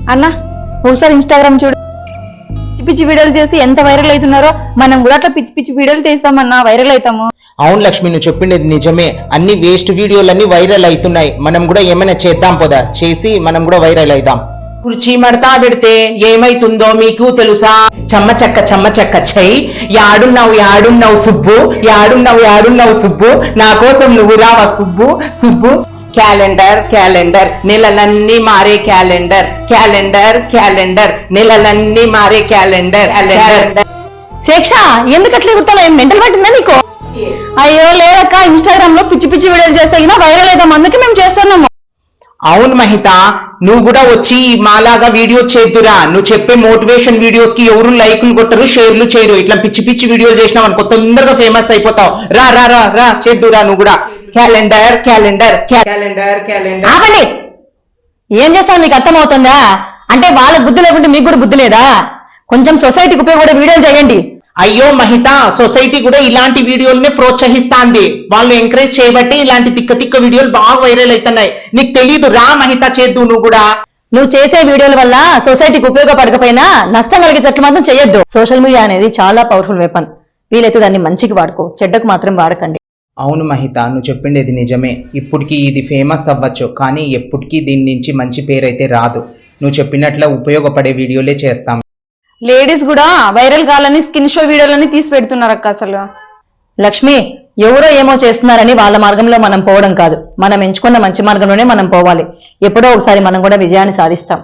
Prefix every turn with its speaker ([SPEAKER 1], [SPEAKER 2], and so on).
[SPEAKER 1] అన్న ఒకసారి ఇన్స్టాగ్రామ్ చూడు, పిచ్చి పిచ్చి వీడియోలు చేసి ఎంత వైరల్ అవుతున్నారో. మనం కూడా అట్లా పిచ్చి పిచ్చి వీడియోలు తీస్తామన్నా వైరల్ అవుతాము.
[SPEAKER 2] అవును లక్ష్మి, నువ్వు చెప్పిండేది నిజమే. అన్ని వేస్ట్ వీడియోలన్నీ వైరల్ అవుతున్నాయి. మనం కూడా ఏమైనా చేద్దాం పోదా, చేసి మనం కూడా వైరల్ అవుదాం. కుర్చీ మడతా పెడితే ఏమైతుందో మీకు తెలుసా? చెమ్మ చెక్క చెయ్యి. యాడున్నావు సుబ్బు, యాడున్నావు సుబ్బు, నా కోసం నువ్వు రావా సుబ్బు సుబ్బు. క్యాలెండర్ నెలలన్నీ మారే క్యాలెండర్, నెలలన్నీ మారే క్యాలెండర్.
[SPEAKER 1] శిక్ష ఎందుకు అట్లా కుడతావు? ఏం మెంటల్ పట్టిందా నీకు? అయ్యో లేదక్క, ఇన్స్టాగ్రామ్ లో పిచ్చి పిచ్చి వీడియోలు చేస్తే వైరల్ అవుతాం, అందుకే మేము చేస్తున్నాము.
[SPEAKER 2] అవును మహిత, నువ్వు కూడా వచ్చి మాలాగా వీడియో చేద్దురా. నువ్వు చెప్పే మోటివేషన్ వీడియోస్ కి ఎవరు లైకులు కొట్టరు, షేర్లు చేయరు. ఇట్లా పిచ్చి పిచ్చి వీడియోలు చేసినావు అనుకో, తొందరగా ఫేమస్ అయిపోతావు. రా రా రా రా చేద్దురా నువ్వు కూడా. క్యాలెండర్.
[SPEAKER 1] ఆపండి, ఏం చేస్తావు మీకు అర్థమవుతుందా? అంటే వాళ్ళ బుద్ధి లేకుంటే మీకు కూడా బుద్ధి లేదా? కొంచెం సొసైటీకి ఉపయోగపడే వీడియోలు చేయండి.
[SPEAKER 2] అయ్యో మహిత, సొసైటీ కూడా ఇలాంటి వీడియోలనే ప్రోత్సహిస్తాంది. వాళ్ళు ఎంకరేజ్ చేయబట్టి ఇలాంటి తిక్క వీడియోలు బాగా వైరల్ అవుతున్నాయి. నీకు తెలీదు, రా మహిత చేద్దు నువ్వు కూడా.
[SPEAKER 1] నువ్వు చేసే వీడియోల వల్ల సొసైటీకి ఉపయోగపడకపోయినా నష్టం కలిగేటట్లు మాత్రం చేయొద్దు. సోషల్ మీడియా అనేది చాలా పవర్ఫుల్ వెపన్. వీలైతే దాన్ని మంచికి వాడుకో, చెడ్డకు మాత్రం వాడకండి.
[SPEAKER 2] అవును మహిత, నువ్వు చెప్పిండేది నిజమే. ఇప్పటికి ఇది ఫేమస్ అవ్వచ్చు, కానీ ఎప్పటికీ దీని నుంచి మంచి పేరైతే రాదు. నువ్వు చెప్పినట్ల ఉపయోగపడే వీడియోలే చేస్తాం.
[SPEAKER 1] లేడీస్ కూడా వైరల్ కావాలని స్కిన్ షో వీడియోలని తీసి పెడుతున్నారు అక్క. అసలు లక్ష్మి, ఎవరో ఏమో చేస్తున్నారని వాళ్ళ మార్గంలో మనం పోవడం కాదు, మనం ఎంచుకున్న మంచి మార్గంలోనే మనం పోవాలి. ఎప్పుడో ఒకసారి మనం కూడా విజయాన్ని సాధిస్తాం.